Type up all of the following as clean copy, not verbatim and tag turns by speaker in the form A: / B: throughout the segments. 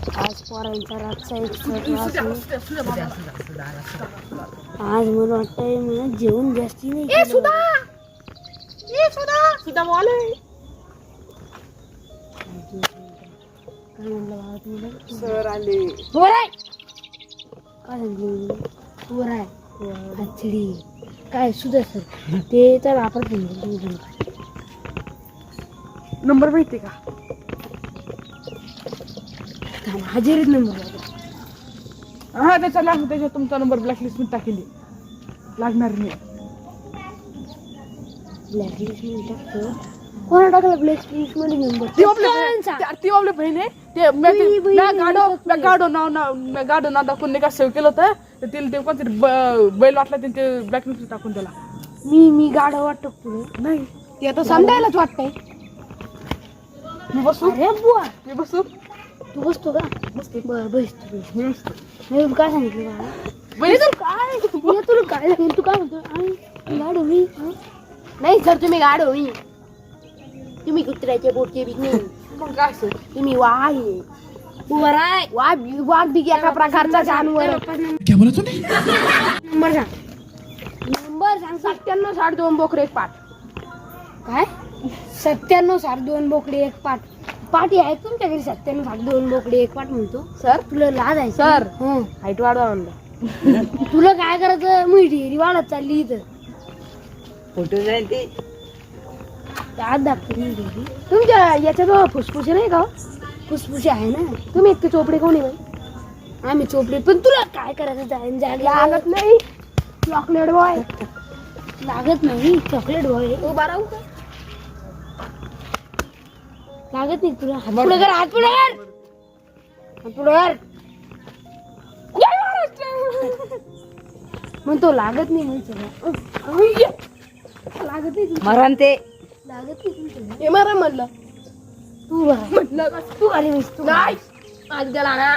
A: आज पोरांचा रातचा extra class आज मला वाटतंय मला जेवण जास्ती नाही
B: ए सुधा बोले
A: काय म्हणलं बाबा तुला
B: सर आले
A: वर आहे काय सांगितलं वर आहे हचडी काय सुद्धा सर ते तर वापरत नाही
B: नंबर माहिती का
A: हजेरीत नंबर
B: हा त्याचा लागतो त्याच्यात तुमचा नंबर ब्लॅकलिस्ट मध्ये टाकली लागणार नाही
A: ब्लॅकलिस्ट मध्ये टाकतो कोणा टाकला ब्लॅकलिस्ट मध्ये नंबर
B: ती आपली बहीण आहे ते गाडो नाव दाखवून नाही का सेव्ह केलं होतं तर तिला ते कोणतरी बैल वाटला ते ब्लॅकलिस्ट टाकून त्याला
A: मी गाडा वाटतो पुढे
B: नाही
A: ते आता समजायलाच वाटतंय
B: मी बसू
A: अरे बुवा
B: मी बसू
A: तू बसतो का
B: बसते
A: बरं बसतो
B: मी बसतो
A: मी काय सांगितलं मला तुला काय सांगितलं तू काय म्हणतो गाड होई नाही सर तुम्ही गाड होई तुम्ही कुत्र्याचे बोटचे बी नाही
B: मग काय असं
A: तुम्ही वाघ आहे वाघ बी एका प्रकारचा जानवर नंबर सांग 97.2 बोकडे एक पाठ काय 97.2 बोकडे एक पाठ पाठी आहे तुमच्याकडे 97.2 बोकडे एक पाठ म्हणतो
B: सर
A: तुला लाज आहे
B: सर
A: हं.
B: हाईट वाढवा म्हणलं
A: तुला काय करायचं मी ढेरी वाढत चालली इथं
C: फोटो जाईल ते
A: आज दाखवते मी ढेरी तुमच्या याच्यात फुसफुसे नाही का फुसफुसे आहे ना तुम्ही इतके चोपडे कोणी बाई आम्ही चोपडे पण तुला काय करायचं लागत नाही चॉकलेट बॉय लागत नाही चॉकलेट बॉय उभा राहू का लागत नाही तुला हात पुढे कर हात पुढे कर हात पुढे कर म्हणतो लागत नाही म्हणतो लागत नाही
C: मरण ते
A: लागत नाही तुमचं हे मारा म्हणलं तू म्हटलं तू आली नाहीस तू नाही आज गेला ना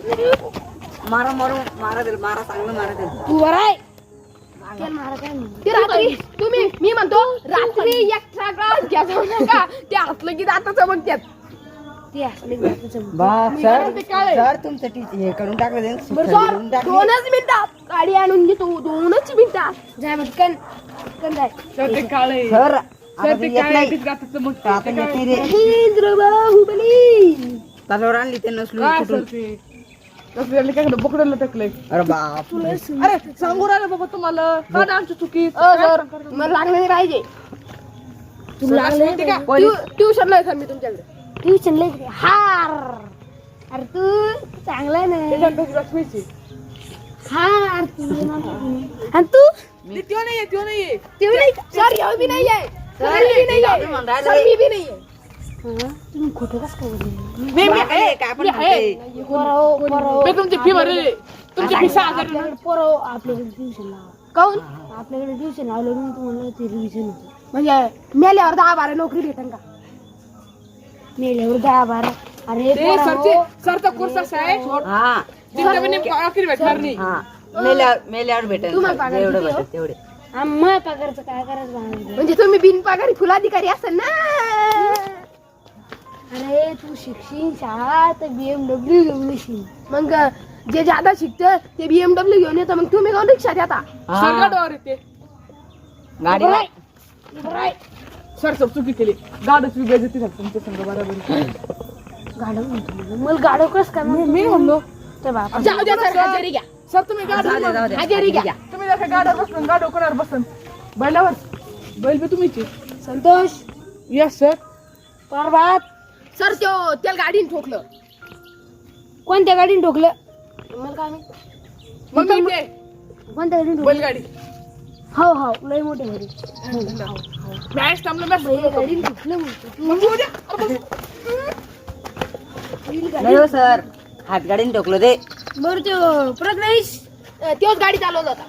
C: मारा दिल मारा चांगलं मारा दिल
A: तू वर आहे मारा काय रात्री तुम्ही मी म्हणतो रात्री एक्स्ट्रा क्लास घ्या जाऊ नका ते असलं की जातं चमकत्यात ते असलं की जातं चमकत्यात
C: सर तुमचं हे करून टाकलं ते
A: बरं 2च मिनिटात गाडी आणून घेतो 2च मिनिटात जाय पटकन पटकन जाय
B: सर ते काळे
C: सर
B: सर ते काळे गातात मग
C: आता येत नाही रे
A: महेंद्र बाहुबली
C: तलवार आणली ते नसलो
B: काय सर ते कसं झालं काय बोकड्याला टाकलंय
C: अरे बाप
B: अरे सांगू राहिलं बाबा तुम्हाला का ना आमची चुकी
A: सर मला लागलं नाही पाहिजे तुला लागलं
B: का
A: ट्युशन नाही सर मी तुमच्याकडे ट्युशन लय हार अरे तू चांगला नाही
B: लक्ष्मीची
A: हार तू आणि तू
B: त्यो नाहीये
A: सर येऊ बी नाही आहे सर मी नाही आहे सर मी बी नाही आहे तुम्ही खोटं कसं काय बोलले
B: मी तुमची फी भरली तुमची फी 6,000
A: पोरं आपल्याकडे ट्युशन लावा काऊन आपल्याकडे ट्युशन लावलं म्हणून तुम्हाला ते रिव्हिजन होतं म्हणजे मेल्यावर 10-12 नोकरी भेटेल का मेल्यावर 10-12 अरे
B: ते सरचा कोर्स असा आहे
C: हा
B: जिंदा पण नोकरी भेटणार नाही
C: हा मेल्यावर भेटेल
A: तुम्हाला पगार
C: एवढं
A: किती हो?
C: भेटेल तेवढे
A: आम्हा पगारचं काय करायचं म्हणजे तुम्ही बिनपगारी फुलाधिकारी असाल ना अरे तू शिकशील शाळा तर BMW घेऊन येशील मग जे ज्यादा शिकतं ते BMW घेऊन येतं मग तुम्ही कोण रिक्षा देता
B: सरगाडवर येते
C: गाडी
B: सर सब चुकी केली गाडच बेइज्जती झाली तुमच्या संग बरोबर
A: गाडव म्हणतो मला गाडव कस काय
B: मी म्हणलो
A: तर बापा
B: जाऊ द्या सर हजेरी घ्या सर तुम्ही गाडी
A: हजेरी घ्या
B: तुम्ही जर गाडीवर बसून गाडव कोणावर बसन बैलावर बैल बी तुम्हीची
A: संतोष
B: यस सर
A: परबात सर त्याला गाडीने ठोकलं कोणत्या गाडीने ठोकलं मला काय माहित
B: मग मी ते
A: कोणत्या गाडीने ठोकलं
B: बैलगाडी
A: हो लय मोठे गाडी
B: मॅच थांबलं मॅच
A: गाडीने ठोकलं म्हणतो
B: मग उद्या
C: नाही हो सर हातगाडीने ठोकलं ते
A: बरं तो प्रज्ञेश तोच गाडी चालवत होता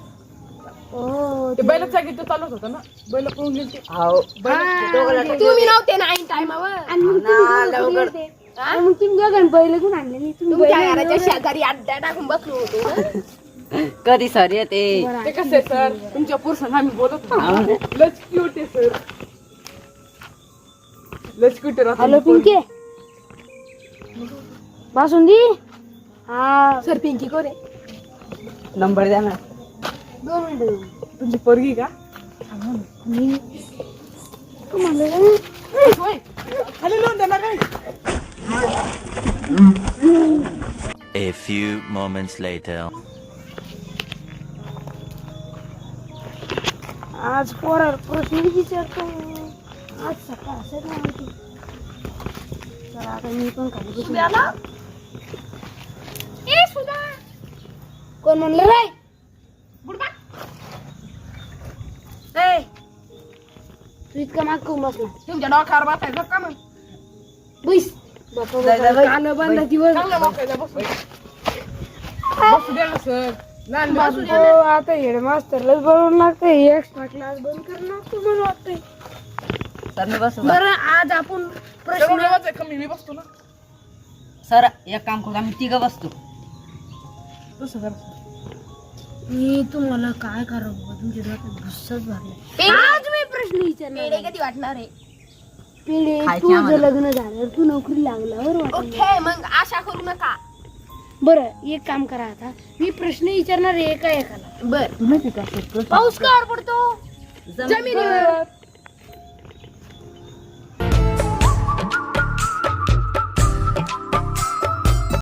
B: ते बैलाच जागी तो चालत होता ना बैल पळून गेली
C: हो
A: तुम्ही नव्हते ना ऐन टाइमावर आणि मग तुम्ही दोघांनी बैल घेऊन आणले नाही तुमच्या घराच्या शेजारी अड्डा टाकून बसलो होतो
C: कधी सर येते
B: ते कसं आहे सर तुमच्या पुरुषांना आम्ही बोलत होतो लच क्यूट आहे सर लच क्यूट
A: हॅलो पिंके बासुंदी हा सर पिंकी कोण आहे
C: नंबर द्या ना
A: 2 मिनिटं
B: तुमची पोरगी का
A: मी तू म्हणलं ना
B: होय खाली लावून देणार काय
D: A few moments later.
A: आज पोरावर प्रश्न विचारतो आज सकाळ असं नाही माहिती चला आता मी पण खाली बसून कोण म्हणलं रे ए, तू इतका माग करून बसला
B: तुमच्या डोक्यावर बसायचं का मग
A: बैस बापा
C: जाय, जाय, बाई.
A: कान बंद दिवस
B: चांगलं बसायचं बसू द्या ना सर लहान बसू द्या
A: हो, आता हेडमास्टरलाच बोलवून लागतं एक्स्ट्रा क्लास बंद करणं लागतं मला वाटतंय
C: सर मी बसू का?
A: बरं आज आपण प्रश्न
B: कमी मी बसतो ना
C: सर एक काम करू आम्ही तिघं बसतो
B: तसं कर
A: मी तुम्हाला काय करावं बाबा, तुमच्या डोक्यात गुस्साच भरला आज मी प्रश्न विचारणार कधी वाटणार आहे पेढे
C: खायचे
A: तुझं
C: आम्हाला.
A: लग्न झाल्यावर तू नोकरी लागल्यावर वाटेल.
E: ओके मग आशा करू नका
A: बरं एक काम करा आता मी प्रश्न विचारणार आहे एका एकाला
E: बर
C: माहिती का
E: पाऊस का पडतो
C: जमिनीवर